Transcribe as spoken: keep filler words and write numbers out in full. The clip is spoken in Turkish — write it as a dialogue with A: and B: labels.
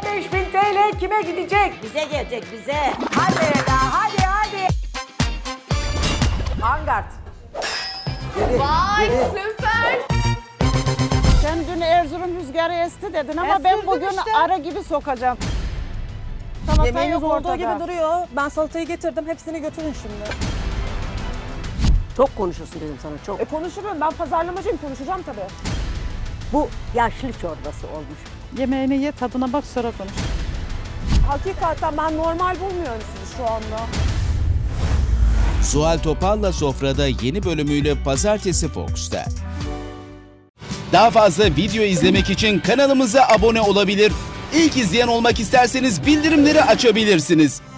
A: beş bin T L kime gidecek?
B: Bize gelecek bize.
A: Hadi Eda, hadi hadi. Angard.
C: Vay süper.
D: Sen dün Erzurum rüzgarı esti dedin ama
E: Estirdim
D: ben bugün
E: işte.
D: arı gibi sokacağım. Salata
E: Yemeğiniz
D: yok
E: olduğu
D: ortada.
E: gibi duruyor. Ben salatayı getirdim. Hepsini götürün şimdi.
B: Çok konuşuyorsun dedim sana çok.
E: E konuşurum. Ben pazarlamacıyım. Konuşacağım tabii.
B: Bu yaşlı çorbası olmuş.
D: Yemeğini ye, tadına bak, sonra konuş.
E: Hakikaten ben normal bulmuyorum sizi şu anda.
F: Zuhal Topal'la Sofra'da yeni bölümüyle Pazartesi Fox'ta. Daha fazla video izlemek için kanalımıza abone olabilir. İlk izleyen olmak isterseniz bildirimleri açabilirsiniz.